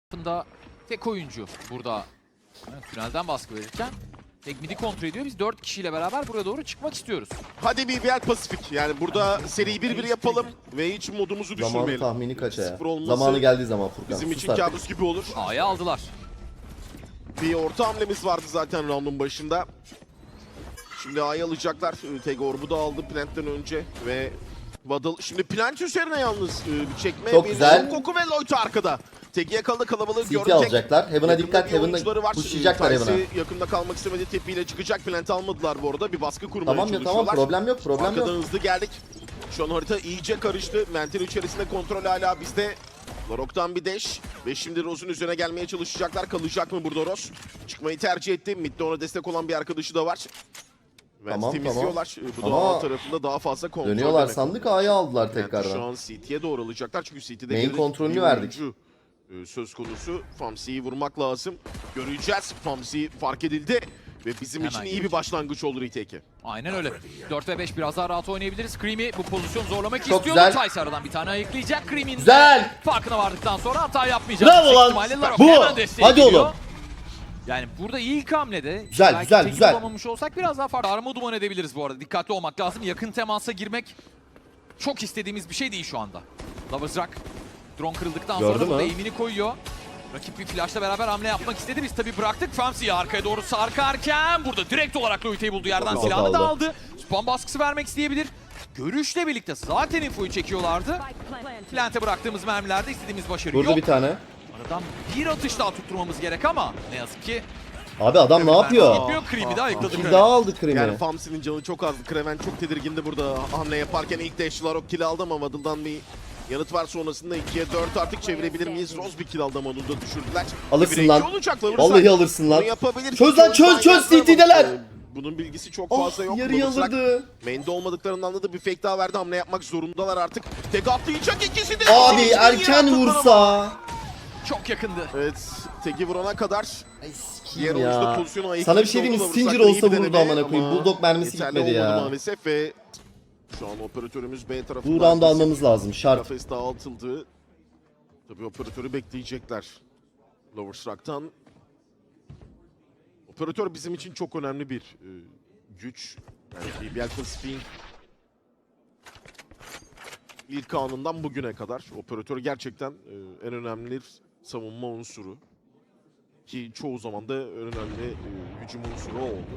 tarafında tek oyuncu burada tünelden baskı verirken tek midi kontrol ediyor. Biz 4 kişiyle beraber buraya doğru çıkmak istiyoruz. Hadi BBL Pasifik. Yani burada seriyi 1-1 yapalım ve hiç modumuzu Zamanı düşürmeyelim. tahmini kaça ya? Sıfır olması Zamanı geldiği zaman Furkan. bizim sus için artık. kabus gibi olur. A'ya aldılar. Bir orta hamlemiz vardı zaten round'un başında. Şimdi A'yı alacaklar. Teg Orb'u da aldı Plant'ten önce ve Waddle. Şimdi Plant üzerine yalnız bir çekme. Çok bir güzel. Koku ve Lloyd arkada. Teg'i yakaladı, kalabalığı CT gördü. alacaklar. Heaven'a Yakında dikkat. bir oyuncuları Heaven'a var. pushlayacaklar Tyson Heaven'a. yakında kalmak istemedi. Tepiyle çıkacak. Plant'ı almadılar bu arada. Bir baskı kurmaya Tamam ya çalışıyorlar. tamam, problem yok, problem Arkadan yok. hızlı geldik. Şu an harita iyice karıştı. Mental içerisinde kontrol hala bizde. Larok'tan bir dash. Ve şimdi Rose'un üzerine gelmeye çalışacaklar. Kalacak mı burada Rose? Çıkmayı tercih etti. Mid'de ona destek olan bir arkadaşı da var. Tamam, temizliyorlar. Bu da Ama A tarafında daha fazla kontrol Dönüyorlar demek. sandık, A'yı aldılar Yani şu tekrardan. an CT'ye doğru alacaklar çünkü CT'de Main bir kontrolünü bir verdik. oyuncu, söz konusu. Famsi'yi vurmak lazım. Göreceğiz. Famsi fark edildi. Ve bizim Hemen için iyi gelecek. bir başlangıç olur retake'e. Aynen öyle. 4 ve 5 biraz daha rahat oynayabiliriz. Creamy bu pozisyonu zorlamak Çok istiyordu. güzel. Tyson aradan bir tane ayıklayacak. Creamy'nin Güzel. farkına vardıktan sonra hata yapmayacak. Bravo Yüksek lan. ihtimalle Larok Bu. hemen desteğe Hadi geliyor. oğlum. Yani burada ilk hamlede Güzel, belki güzel, teki güzel. bulamamış olsak biraz daha farklı. Arma duman edebiliriz bu arada. Dikkatli olmak lazım. Yakın temasa girmek çok istediğimiz bir şey değil şu anda. Lovers Rock drone kırıldıktan Gördü sonra mü? burada aim'ini koyuyor. Rakip bir flashla beraber hamle yapmak istedi. Biz tabii bıraktık. Famsi'yi arkaya doğru sarkarken burada direkt olarak Loite'yi buldu. Yerden Çok silahını da aldı. aldı. Spam baskısı vermek isteyebilir. Görüşle birlikte zaten infoyu çekiyorlardı. Plant'e bıraktığımız mermilerde istediğimiz başarı Burada yok. bir tane. Aradan bir atış daha tutturmamız gerek ama ne yazık ki Abi adam ne yapıyor? gitmiyor. Creepy de ayıkladı. Kill daha aldı Yani Cream'i. Famsi'nin canı çok azdı. Kreven çok tedirgindi burada hamle yaparken. İlk dash Larok kill aldı ama Waddle'dan bir yanıt var sonrasında 2'ye 4 artık çevirebilir miyiz? Rose bir kill aldı ama onu da düşürdüler. Alırsın 1'e 2 lan. olacak, Lover's Vallahi Rock. alırsın lan. Bunu yapabilir. Çöz lan, çöz, çöz, CT'deler. Bunun bilgisi çok Oh, fazla yok. yarıyı Lover's Rock alırdı. Main'de olmadıklarını anladı. Bir fake daha verdi. Hamle yapmak zorundalar artık. Tek atlayacak ikisi de. Abi İkisi de erken yere attılar ama. vursa. Çok yakındı. Evet. Teki vurana kadar Ay diğer sikeyim oyuncu da ya. pozisyonu ayıklamış Sana bir şey diyeyim mi? oldu. Stinger Lover's Rock olsa iyi bir vururdu deneme amına koyayım. ama Bulldog mermisi yeterli gitmedi olmadı ya. maalesef ve şu an operatörümüz B tarafında. Bu round'u almamız lazım. Şart. Kafes dağıtıldı. Tabii operatörü bekleyecekler. Lovers Rock'tan. Operatör bizim için çok önemli bir güç. Yani BBL Pacific'in ilk anından bugüne kadar operatör gerçekten en önemli savunma unsuru. Ki çoğu zaman da en önemli hücum unsuru o oldu.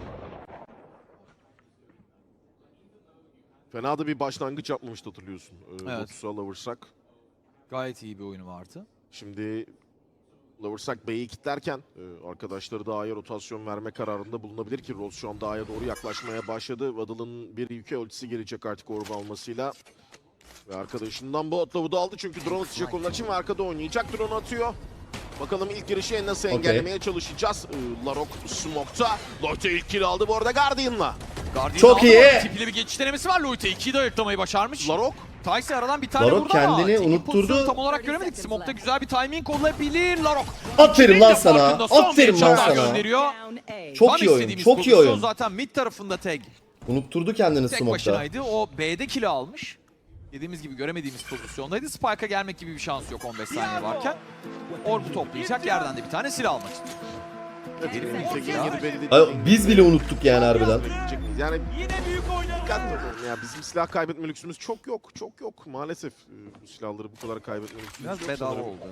Fena da bir başlangıç yapmamıştı hatırlıyorsun. Evet. Lotus'a Lovers Rock. Gayet iyi bir oyunu vardı. Şimdi Lovers Rock B'yi kilitlerken arkadaşları da A'ya rotasyon verme kararında bulunabilir ki Rose şu anda A'ya doğru yaklaşmaya başladı. Waddle'ın bir yükü ultisi gelecek artık orba almasıyla. Ve arkadaşından bu atlavu da aldı çünkü drone atacak onlar için ve arkada oynayacak. Drone atıyor. Bakalım ilk girişi nasıl engellemeye çalışacağız. Larok Smoke'ta. Lotte ilk kill aldı bu arada Guardian'la. Guardian Çok aldı. iyi. Tipli bir geçiş denemesi var. Loite 2'yi de ayıklamayı başarmış. Larok Tyson aradan bir tane Larok vurdu ama kendini Tekin unutturdu. pozisyonu tam olarak göremedik. Smoke'ta güzel bir timing olabilir. Larok. Aferin lan de sana. farkında. Son Aferin bir lan çatal sana. gönderiyor. Çok Tam iyi oyun. istediğimiz Çok iyi pozisyon oyun. zaten mid tarafında tag. Unutturdu kendini Tek smoke'ta. başınaydı. O B'de kill'i almış. Dediğimiz gibi göremediğimiz pozisyondaydı. Spike'a gelmek gibi bir şansı yok 15 saniye varken. Orb'u toplayacak, yerden de bir tane silah almak istiyor. Tekin yeri belli Ay, değil. biz bile unuttuk yani harbiden. Yani Yine büyük oynadı. dikkatli olun ya, bizim silah kaybetme lüksümüz çok yok. Çok yok maalesef. Bu silahları bu kadar kaybetme lüksümüz Biraz yok. bedava sanırım. oldu.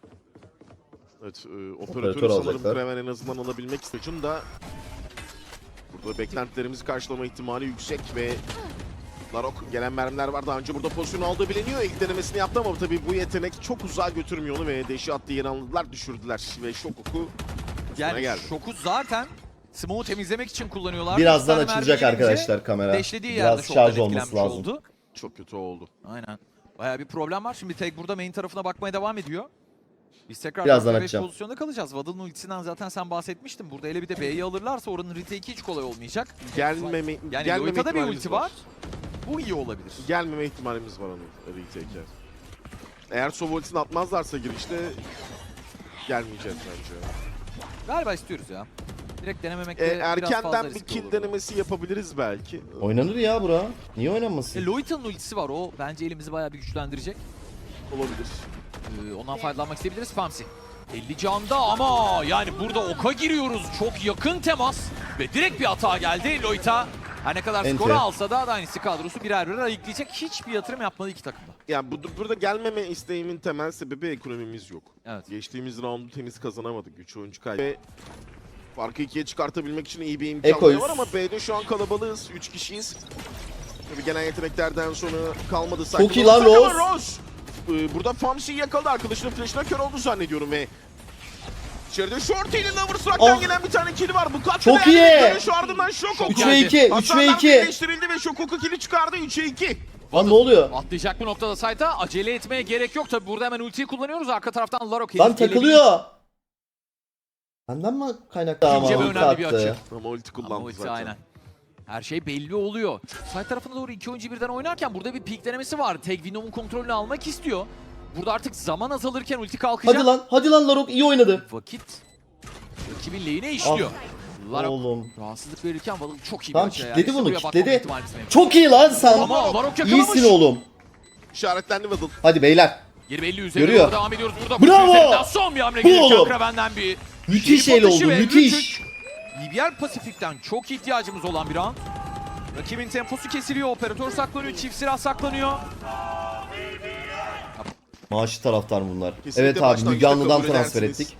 Evet, Operatör operatörü sanırım alacaklar. Kraven en azından alabilmek istiyor da burada beklentilerimizi karşılama ihtimali yüksek ve Larok gelen mermiler var. Daha önce burada pozisyon aldığı biliniyor. İlk denemesini yaptı ama tabii bu yetenek çok uzağa götürmüyor onu ve deşi attığı yeri anladılar, düşürdüler ve şok oku Yani geldi. şoku zaten smoke'u temizlemek için kullanıyorlar. Birazdan Bir tane açılacak mermi gelince arkadaşlar kamera. Deşlediği yerde Biraz şoktan şarj olması etkilenmiş lazım. oldu. Çok kötü oldu. Aynen. Bayağı bir problem var. Şimdi tek burada main tarafına bakmaya devam ediyor. Biz tekrar Birazdan 4-5 açacağım. pozisyonda kalacağız. Waddle'ın ultisinden zaten sen bahsetmiştin. Burada ele bir de B'yi alırlarsa oranın retake hiç kolay olmayacak. Gelmeme Yani gelmeme Loita'da bir ihtimalimiz ulti var. Bu iyi olabilir. Gelmeme ihtimalimiz var onun retake'e. Eğer Sova ultisini atmazlarsa girişte gelmeyeceğiz bence. Galiba istiyoruz ya. Direkt denememekte biraz fazla Erkenden bir riskli kill olur. denemesi yapabiliriz belki. Oynanır ya bura. Niye oynanmasın? Loita'nın ultisi var. O bence elimizi bayağı bir güçlendirecek. Olabilir. Ondan faydalanmak isteyebiliriz. Famsi. 50 canda ama yani burada oka giriyoruz. Çok yakın temas ve direkt bir hata geldi. Loita her ne kadar Ente. skoru alsa da Dynasty kadrosu birer birer ayıklayacak. Hiçbir yatırım yapmadı iki takımda. Yani burada gelmeme isteğimin temel sebebi ekonomimiz yok. Evet. Geçtiğimiz roundu temiz kazanamadık. 3 oyuncu kaybı. Ve farkı 2'ye çıkartabilmek için iyi bir imkan Ekoyuz. var ama B'de şu an kalabalığız. 3 kişiyiz. Tabii gelen yeteneklerden sonra kalmadı. Çok iyi lan Rose. Rose. Burada Famsi'yi yakaladı. Arkadaşının flash'ına kör oldu zannediyorum ve içeride Shorty ile Loverstruck'tan Oh. gelen bir tane kill var. Bu kat Çok değerli iyi. bir dönüş, ardından Shokoku. 3 ve 2, 3 ve Hasarlar 2. birleştirildi ve Shokoku kill'i çıkardı 3'e 2. Lan ne oluyor? Atlayacak bu noktada Sait'a. Acele etmeye gerek yok. Tabi burada hemen ultiyi kullanıyoruz. Arka taraftan Larok Lan henüz gelebilir. takılıyor. Benden mi kaynaklı ama İkinci ve ulti önemli bir attı. açı. Ama ulti kullandı Ama ulti zaten. aynen. Her şey belli oluyor. Side tarafına doğru iki oyuncu birden oynarken burada bir peek denemesi var. Tek Venom'un kontrolünü almak istiyor. Burada artık zaman azalırken ulti kalkacak. Hadi lan Larok iyi oynadı. Vakit rakibin lehine işliyor. Larok Oğlum. rahatsızlık verirken Valak çok iyi bir Tamam açı. kitledi İşte bunu buraya bakmama kitledi. ihtimalimiz mevcut. Çok iyi lan sen. Ama Larok yakalamış. İyisin oğlum. İşaretlendi Waddle. Hadi beyler. Geri belli üzerine Görüyor. doğru devam ediyoruz. Burada Bravo! üzerinden son bir hamle Bu gelirken oğlum. Kraven'den bir Müthiş şerif el atışı oldu ve müthiş. 3-3. BBR Pasifik'ten çok ihtiyacımız olan bir an. Rakibin temposu kesiliyor. Operatör saklanıyor. Çift silah saklanıyor. Maaşı taraftar bunlar. Kesinlikle Evet abi başlangıçta Müge Anlı'dan kabul transfer edersiniz. ettik.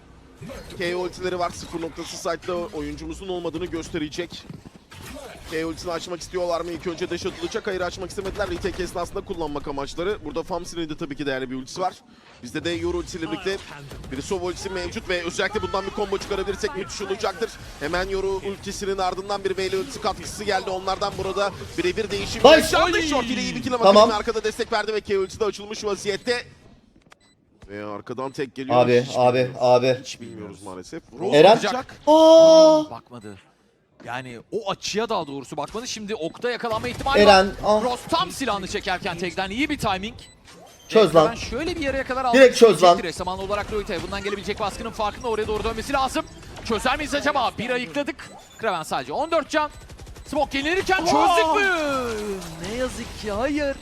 K ultileri var. 0 noktası site'da oyuncumuzun olmadığını gösterecek. K ultisini açmak istiyorlar mı? İlk önce dash atılacak. Hayır açmak istemediler. Retake esnasında kullanmak amaçları. Burada Famsi'nin de tabii ki değerli bir ultisi var. Bizde de Yoru ultisiyle birlikte bir Sova ultisi mevcut ve özellikle bundan bir combo çıkarabilirsek müthiş olacaktır. Hemen Yoru ultisinin ardından bir Veil ultisi katkısı geldi. Onlardan burada birebir değişim Nice. yaşandı. Oy. Short ile iyi bir kill ama Tamam. Karim arkada destek verdi ve K ultisi de açılmış vaziyette. Ve arkadan tek geliyor. Abi Hiç abi bilmiyoruz. abi. Hiç bilmiyoruz maalesef. Eren. olacak. Bakmadı. Yani o açıya daha doğrusu bakmadı. Şimdi okta yakalanma ihtimali Eren, var. ah. Ross tam silahını çekerken tekten iyi bir timing. Çöz lan. Ben şöyle bir yere kadar almak Direkt çöz lan. isteyecektir. Esamanlı olarak Loita'ya bundan gelebilecek baskının farkında oraya doğru dönmesi lazım. Çözer miyiz acaba? Bir ayıkladık. Kraven sadece 14 can. Smoke gelirken çözdük mü? Ne yazık ki hayır.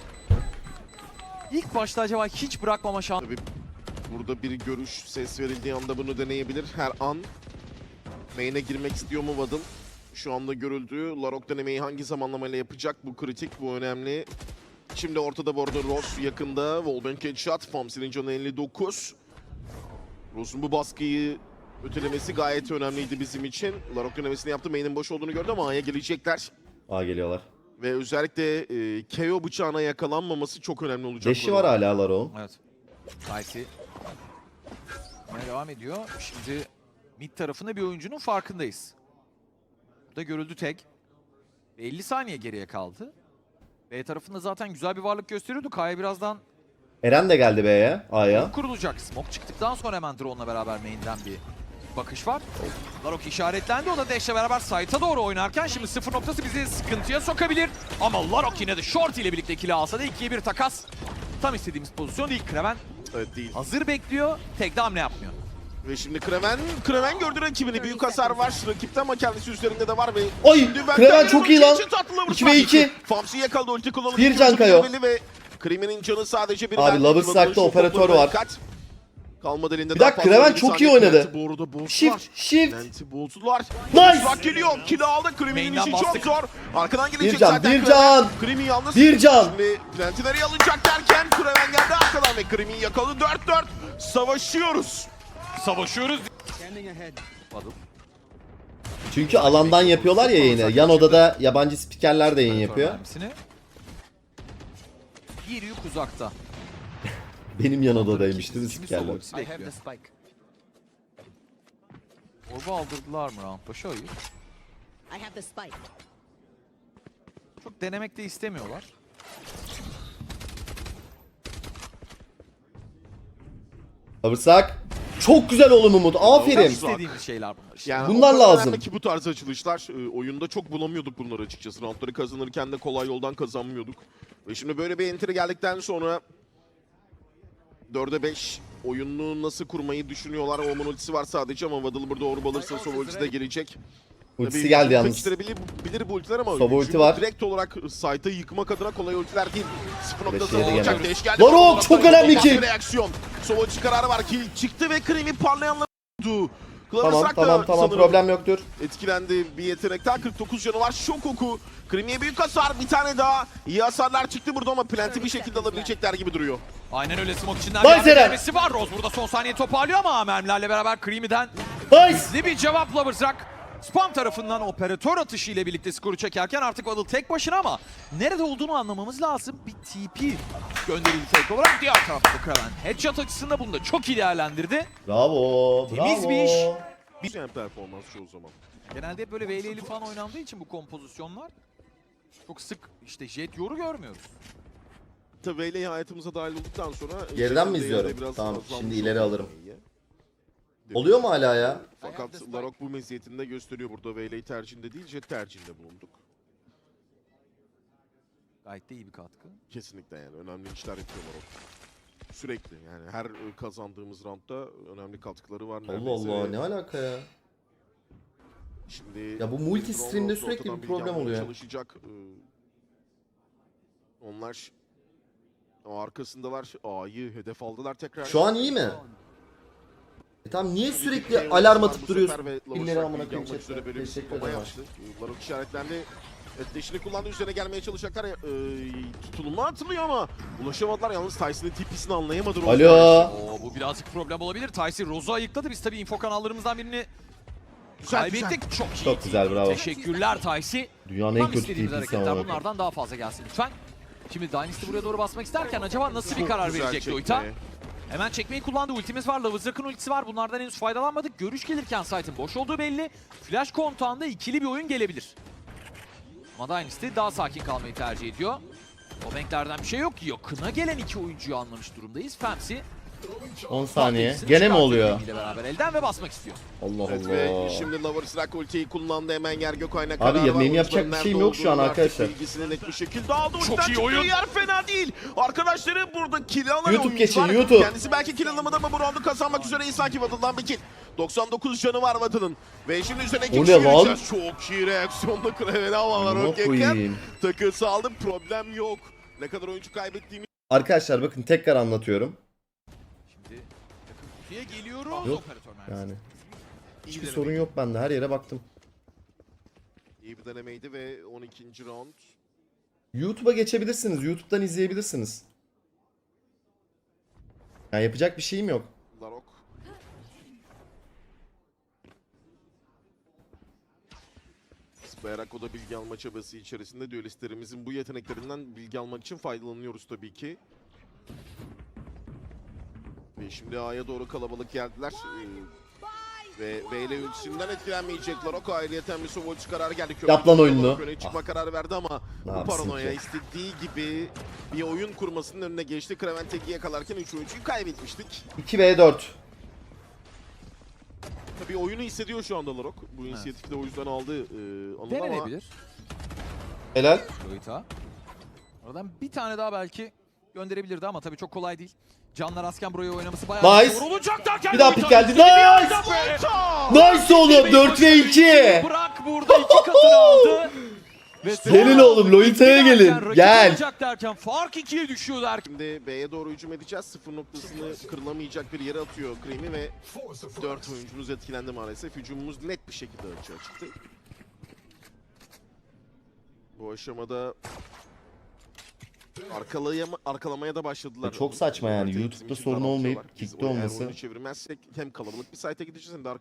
İlk başta acaba hiç bırakmama şansı. Tabii burada bir görüş ses verildiği anda bunu deneyebilir. Her an main'e girmek istiyor mu Waddle? Şu anda görüldü. Larok denemeyi hangi zamanlamayla yapacak? Bu kritik, bu önemli. Şimdi ortada bu arada Rose yakında. Wallbang headshot. Famsi'nin canı 59. Rose'un bu baskıyı ötelemesi gayet önemliydi bizim için. Larok denemesini yaptı. Main'in boş olduğunu gördü ama A'ya gelecekler. Aa geliyorlar. Ve özellikle KO bıçağına yakalanmaması çok önemli olacak. Leşi var hala Larok'un. Evet. Kaysi. Devam ediyor. Şimdi mid tarafında bir oyuncunun farkındayız. Burada görüldü tek. 50 saniye geriye kaldı. B tarafında zaten güzel bir varlık gösteriyordu. Kaya birazdan Eren de geldi B'ye. A'ya. kurulacak. Smoke çıktıktan sonra hemen drone'la beraber main'den bir bakış var. Larok işaretlendi. O da Dash'le beraber site'a doğru oynarken şimdi 0 noktası bizi sıkıntıya sokabilir. Ama Larok yine de Short ile birlikte kill alsa da 2'ye 1 takas. Tam istediğimiz pozisyon değil. Kraven Evet değil. hazır bekliyor. Tek de hamle yapmıyor. Ve şimdi Kraven gördü rakibini. Büyük hasar var rakipte ama kendisi üzerinde de var ve Oy, şimdi Kraven çok iyi lan. 2 ve 2. Famsi yakaladı ulti kullanıldı. Bir can Kayo. Ve Krimin'in canı sadece bir. Abi, Loverstruck'ta operatör var. Kalmadı elinde. Bir daha dakika, fazla Kraven bir çok saniye. iyi oynadı. Lenti bu arada bozdular. Shift. Lenti bozdular. Nice. Loverstruck geliyor. Kill aldı. Krimin'in Main'den işi çok bastık. zor. Arkadan gelecek Bir can, zaten bir Kraven. can. Krimin yalnız. Bir can. Şimdi Lenti nereye alınacak derken Kraven geldi arkadan ve Krimin yakaladı. 4-4. Savaşıyoruz. Savaşıyoruz. Çünkü alandan yapıyorlar ya yayını. Yan odada yabancı spikerler de yayın yapıyor. Mermisini. Bir yük uzakta. Benim yan odadaymış değil mi Şimdi spikerler? Sova bekliyor. Orba aldırdılar mı round başı? Hayır. I have the spike. Çok denemek de istemiyorlar. Alırsak. Çok güzel oğlum Umut. Aferin. İstediğimiz şeyler bunlar işte. Yani Bunlar o kadar lazım. önemli ki bu tarz açılışlar. Oyunda çok bulamıyorduk bunları açıkçası. Roundları kazanırken de kolay yoldan kazanmıyorduk. Ve şimdi böyle bir entry geldikten sonra 4'e 5 oyununu nasıl kurmayı düşünüyorlar. Omen ultisi var sadece ama Waddle burada orb alırsa Sova ultisi de gelecek. Ultisi Tabii geldi yalnız. kaçırabilir bu ultiler ama Sova ulti hücumu var. direkt olarak site'ı yıkmak adına kolay ultiler değil. 0.0 Beşiğe de olacak. geldi. Dash geldi. Larok, çok önemli Bak kill. bir reaksiyon. Sovaçı kararı var. Kill çıktı ve Cream'i parlayanlar oldu. Cloverstruck da Tamam sanırım problem yoktur. etkilendi bir yetenekten. 49 canı var. Şok oku. Creamy'ye büyük hasar. Bir tane daha. İyi hasarlar çıktı burada ama Plant'i bir şekilde alabilecekler gibi duruyor. Aynen öyle, smoke içinden Nice bir Eren. denemesi var. Rose burada son saniye toparlıyor ama mermilerle beraber Creamy'den Nice. hızlı bir cevap Loversrock. Spam tarafından operatör atışı ile birlikte skoru çekerken artık Waddle tek başına ama nerede olduğunu anlamamız lazım. Bir TP gönderildi fake olarak. Diğer tarafta Kraven headshot açısında bunu da çok iyi değerlendirdi. Bravo. Temiz bir iş. Güzel performans çoğu zaman. Genelde hep böyle VL'li falan oynandığı için bu kompozisyonlar çok sık işte Jet Yoru görmüyoruz. Tabii Veyley hayatımıza dahil olduktan sonra... Geriden mi değeri izliyorum? biraz Tamam, azalmış şimdi ileri oldu. alırım. Oluyor mu hala ya? Fakat Larok bu meziyetini de gösteriyor burada. Veyley tercihinde değil, Jet tercihinde bulunduk. Gayet de iyi bir katkı. Kesinlikle yani önemli işler yapıyor Larok. Sürekli yani her kazandığımız roundda önemli katkıları var. Allah neredeyse. Allah, ne alaka ya? Şimdi Ya bu multi Drone stream'de Rose sürekli ortadan bir bilgi problem almaya oluyor. Çalışacak. Onlar o arkasındalar. A'yı hedef aldılar tekrar. Şu an iyi mi? Tamam, niye Bir sürekli de alarm bu atıp sefer duruyorsun? ve Pilleri Loverstruck amına bilgi koyayım almak üzere chatte. böyle bir Teşekkür tutulma ederim. yaptı. Larok işaretlendi. Etleşini kullandı. Üzerine gelmeye çalışacaklar. Tutulma atılıyor ama ulaşamadılar. Yalnız Tyson'ın TP'sini anlayamadı. Rose. Alo. Oo, bu birazcık problem olabilir. Tyson Rose'u ayıkladı. Biz tabii info kanallarımızdan birini Güzel, kaybettik. Çok iyi. Çok güzel, bravo. Teşekkürler Tyson. Dünyanın en Tam kötü istediğimiz TP'si hareketler amına koyayım. bunlardan daha fazla gelsin lütfen. Şimdi Dynasty buraya doğru basmak isterken acaba nasıl bir Çok karar güzel verecek çekme. Loita? Hemen çekmeyi kullandı. Ultimiz var. Loversrock'ın ultisi var. Bunlardan henüz faydalanmadık. Görüş gelirken site'ın boş olduğu belli. Flash kontağında ikili bir oyun gelebilir. Ama Dynasty daha sakin kalmayı tercih ediyor. O banklerden bir şey yok. Yakına gelen iki oyuncuyu anlamış durumdayız. Famsi 10 saniye. Fatih'sini Gene mi çıkartıyor oluyor? ile beraber elden ve basmak istiyor. Allah Evet ve Allah. şimdi Loverstruck ultiyi kullandı. Hemen yer Gökay'ına Abi kararı ya, var. benim yapacak Oyuncuların bir şeyim nerede yok şu an olduğunu artık arkadaşlar. bilgisini net bir şekilde aldı. Çok Ultiden iyi çıktığı oyun. yer fena değil. Arkadaşları burada kill alan YouTube oyuncu geçin, var. YouTube. Kendisi belki kill alamadı ama bu roundu kazanmak üzere iyi sanki Waddle'dan bir kill. 99 canı var Waddle'ın. Ve şimdi üzerine O iki ne lan? gireceğiz. Çok iyi reaksiyonda Kraven'i havalar Amına okeyken. koyayım. Takısı aldı. Problem yok. Ne kadar oyuncu kaybettiğimi Arkadaşlar bakın, tekrar anlatıyorum. Şimdi yakın kutuya geliyoruz. Yok, Operatör mermisi. Yani iyi hiçbir bir sorun deneme. yok bende, her yere baktım. İyi bir denemeydi ve 12. round. YouTube'a geçebilirsiniz. YouTube'dan izleyebilirsiniz. Yani yapacak bir şeyim yok. Larok. Bayrak o da bilgi alma çabası içerisinde düelistlerimizin bu yeteneklerinden bilgi almak için faydalanıyoruz tabii ki. Ve şimdi A'ya doğru kalabalık geldiler. Ve Veyle ultisinden etkilenmeyecek Larok. Ayrıyeten bir Sovolç kararı geldi. Yap lan oyununu. Öne çıkma kararı verdi ama Ne bu yapsın paranoya ki? istediği gibi bir oyun kurmasının önüne geçti. Kraven Tegi'ye yakalarken 3 oyuncuyu kaybetmiştik. 2v4. Tabii oyunu hissediyor şu anda Larok. Bu inisiyatifi de o yüzden aldı Anıl ama Denenebilir. Helal. Loita. Oradan bir tane daha belki gönderebilirdi ama tabii çok kolay değil. Canlar Asken buraya oynaması bayağı Nice. zor olacak derken Bir daha Loita pik geldi. istediği bir Nice. anda be. Nice oğlum, 4 ve 2. Bırak burada iki katını aldı. Ve Gelin oğlum, Loita'ya iki gelin. derken, rakip Gel. olacak derken fark 2'ye düşüyor derken. Şimdi B'ye doğru hücum edeceğiz. Sıfır noktasını kırılamayacak bir yere atıyor Cream'i ve 4 oyuncumuz etkilendi maalesef. Hücumumuz net bir şekilde açığa çıktı. Bu aşamada arkalamaya da başladılar. Çok saçma yani. Bizim YouTube'da için sorun daraltıyorlar. olmayıp Biz kickte eğer olması. oyunu çevirmezsek hem kalabalık bir site'e gideceğiz hem de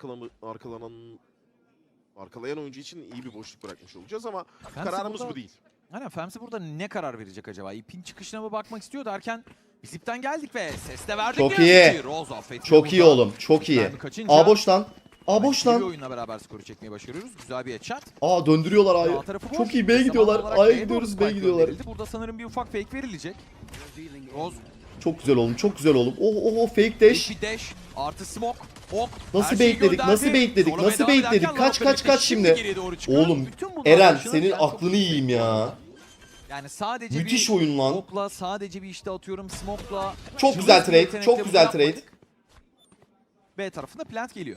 arkalayan oyuncu için iyi bir boşluk bırakmış olacağız ama kararımız burada- bu değil. Aynen, Famsi burada ne karar verecek acaba? İpin çıkışına mı bakmak istiyor derken biz ipten geldik ve ses de verdik. Çok ne yazık iyi. ki. Rose affetmiyor Çok iyi burada. oğlum, çok iyi. Mermi kaçınca A boş lan. A boş ikili bir lan. oyunla beraber skoru çekmeyi başarıyoruz. Güzel bir headshot. Aa, döndürüyorlar Sağ A'yı. tarafı boş. Çok iyi, Ve B'ye zaman gidiyorlar. olarak A'ya B'ye doğru gidiyoruz, spike B'ye gidiyorlar. gönderildi. Burada sanırım bir ufak fake verilecek. Rose Çok güzel oğlum, çok güzel oğlum. Oh oh oh, fake dash. bir dash artı smoke. Ok. Nasıl Her şeyi baitledik, gönderdi. nasıl baitledik, Sonra nasıl devam ederken baitledik? Kaç, Larok'la kaç, kaç birlikte şimdi? geriye doğru çıkıyor. Oğlum, Bütün bunlar Eren başına senin gelen çok aklını büyük yiyeyim bir ya. Yani sadece Müthiş bir oyun lan. okla, sadece bir işte atıyorum smoke'la. Çok cılız güzel bir trade, yetenekle çok bunu güzel yapmadık. trade. B tarafında plant geliyor.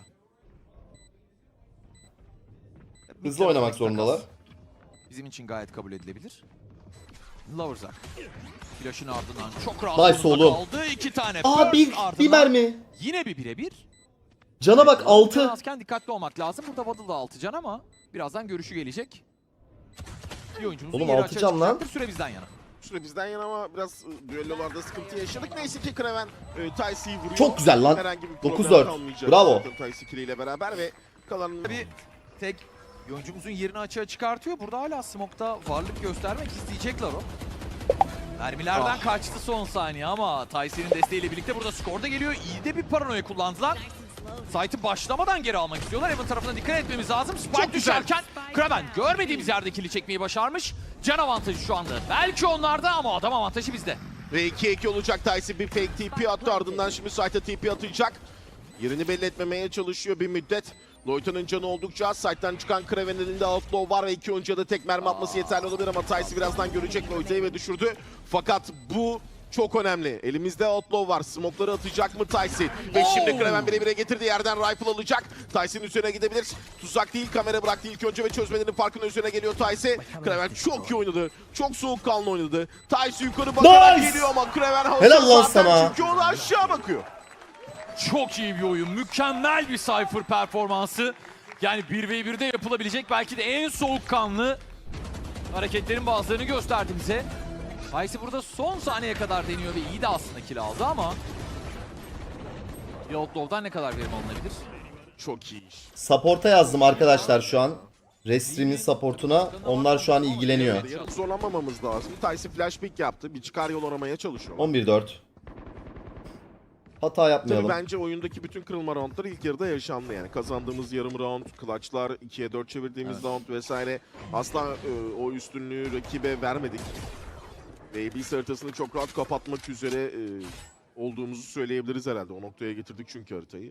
Hızlı oynamak zorundalar. Bizim için gayet kabul edilebilir. Loverzak. Flash'ın ardından çok rahat Nice sonunda oğlum. kaldı. 2 tane Aa burst bir ardından mermi. Yine bir birebir. Cana bak 6. Azken dikkatli olmak lazım. Burada Waddle da 6 can ama birazdan görüşü gelecek. Bir oyuncumuzun Oğlum, yeri 6 açığa can lan. çıkacaktır. Süre bizden yana. Süre bizden yana ama biraz düellolarda sıkıntı yaşadık. Neyse ki Kraven Tyce'yi vuruyor. Çok güzel lan. Herhangi bir problem 9-4. kalmayacak Bravo. zaten Tyce kiliyle beraber ve kalan Bir tek bir oyuncumuzun yerini açığa çıkartıyor. Burada hala smoke'ta varlık göstermek isteyecekler o. Mermilerden kaçtı son saniye ama Tyce'nin desteğiyle birlikte burada skor da geliyor. İyi de bir paranoya kullandılar. Site'ı başlamadan geri almak istiyorlar. Evan tarafına dikkat etmemiz lazım. Spike Çok güzel. düşerken Kraven görmediğimiz yerde kili çekmeyi başarmış. Can avantajı şu anda. Belki onlarda ama adam avantajı bizde. Ve 2-2 olacak. Tyce bir fake TP attı, ardından şimdi site'a TP atacak. Yerini belli etmemeye çalışıyor bir müddet. Loyta'nın canı oldukça az. Site'den çıkan Kraven'in elinde outlaw var ve 2 oyuncuya da tek mermi atması yeterli olabilir ama Tyce birazdan görecek Loyta'yı ve düşürdü. Fakat bu çok önemli. Elimizde outlaw var. Smoke'ları atacak mı Tyce? Ve şimdi Kraven bire getirdi. Yerden rifle alacak. Tyce'nin üzerine gidebilir. Tuzak değil, kamera bıraktı ilk önce ve çözmelerinin farkının üzerine geliyor Tyce. Kraven çok iyi oynadı. Çok soğukkanlı oynadı. Tyce yukarı bakarak Nice! geliyor ama Kraven havası Helal lan zaten sana. çünkü o da aşağı bakıyor. Çok iyi bir oyun. Mükemmel bir Cypher performansı. Yani 1v1'de yapılabilecek belki de en soğukkanlı hareketlerin bazılarını gösterdi bize. Tyce burada son saniyeye kadar deniyor ve iyi de aslında kill aldı ama bir outlaw'dan ne kadar verim alınabilir? Çok iyi iş. Support'a yazdım arkadaşlar şu an. Restream'in support'una. Onlar şu an ilgileniyor. Yarın zorlanmamamız lazım. Tyce flash pick yaptı. Bir çıkar yol aramaya çalışıyor. 11-4. Hata Tabii yapmayalım. bence oyundaki bütün kırılma roundlar ilk yarıda yaşandı yani. Kazandığımız yarım round, clutchlar, 2'ye 4 çevirdiğimiz round vesaire. Asla o üstünlüğü rakibe vermedik. Ve Abyss haritasını çok rahat kapatmak üzere olduğumuzu söyleyebiliriz herhalde. O noktaya getirdik çünkü haritayı.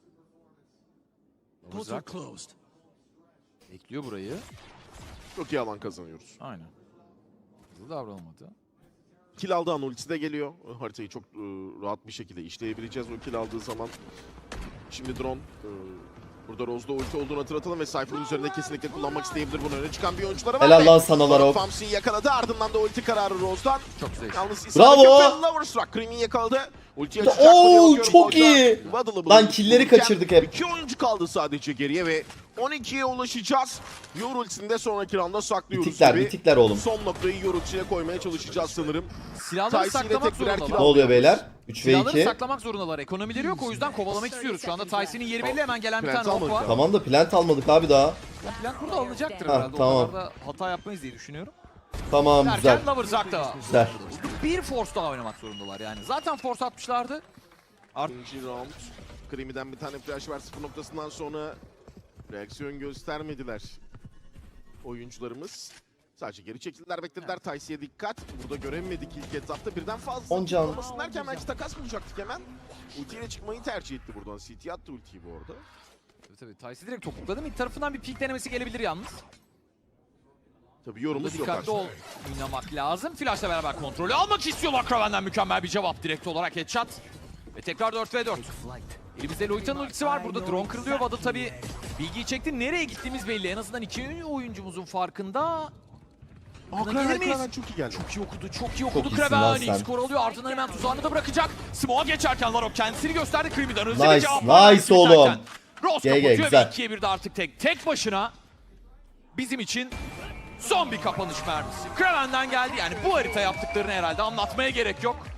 Loverzak bekliyor burayı. Çok iyi alan kazanıyoruz. Aynen. Hızlı davranılmadı. Kill aldığı an ultisi de geliyor. Haritayı çok rahat bir şekilde işleyebileceğiz o kill aldığı zaman. Şimdi drone burada Rose'da ulti olduğunu hatırlatalım ve Cypher'ın üzerinde kesinlikle kullanmak isteyebilir. Bunu öne çıkan bir oyuncuları var. Helal ve lan sana Larok. Famsi'yi yakaladı, ardından da ulti kararı Rose'dan. Çok güzel. Yalnız Bravo! Loverstruck Creamy'i yakaladı. Ultiye Oo, açacak mı diye bakıyorum çok orada. iyi. Waddle'ı Lan killleri bulurken kaçırdık hep. 2 oyuncu kaldı sadece geriye ve 12'ye ulaşacağız. Yor ultisini de sonraki rounda saklıyoruz Bitikler, gibi. bitikler oğlum. Son noktayı Yor ultisine koymaya çalışacağız sanırım. Silahları Tyce ile saklamak tek birer kill zorundalar. Ne oluyor beyler? 3 ve Silahları 2. saklamak zorundalar. Ekonomileri yok o yüzden kovalamak istiyoruz. Şu anda Tyce'nin yeri belli, hemen gelen bir Plant tane ok almadık var. ya. Tamam da plant almadık abi daha. Plant burada alınacaktır Ha, herhalde. tamam. O kadar da hata yapmayız diye düşünüyorum. Tamam güzel. Derken Loverzak da Güzel. bir force daha oynamak zorundalar yani. Zaten force atmışlardı. İkinci round. Creamy'den bir tane flash var 0 noktasından sonra reaksiyon göstermediler oyuncularımız. Sadece geri çekildiler, beklediler. Tyce'ye dikkat. Burada göremedik ilk etapta. Birden fazla 10 can. olmasın derken belki takas bulacaktık hemen. Ultiyle çıkmayı tercih etti buradan. CT attı ultiyi bu arada. Tabii Tyce'i direkt topukladı. Mid tarafından bir peek denemesi gelebilir yalnız. Tabii Burada yorumumuz yok dikkatli artık. oynamak lazım. Flash'la beraber kontrolü almak istiyorlar. Kraven'den mükemmel bir cevap direkt olarak headshot. Ve tekrar 4v4. Elimizde Loyta'nın ultisi var. Burada drone kırılıyor. Waddle tabii bilgiyi çekti. Nereye gittiğimiz belli. En azından iki oyuncumuzun farkında. Gelir miyiz? Kraven çok iyi geldi. Çok iyi okudu, çok iyi okudu. iyisin lan Kraven sen. ilk skor alıyor. Ardından hemen tuzağını da bırakacak. Smoke'a geçerken Larok kendisini gösterdi. Creamy'den hızlı bir Nice, cevap var. nice oğlum. Rose GG, kapatıyor ve güzel. 2'ye 1'de artık tek başına bizim için son bir kapanış mermisi. Kraven'den geldi yani bu harita yaptıklarını herhalde anlatmaya gerek yok.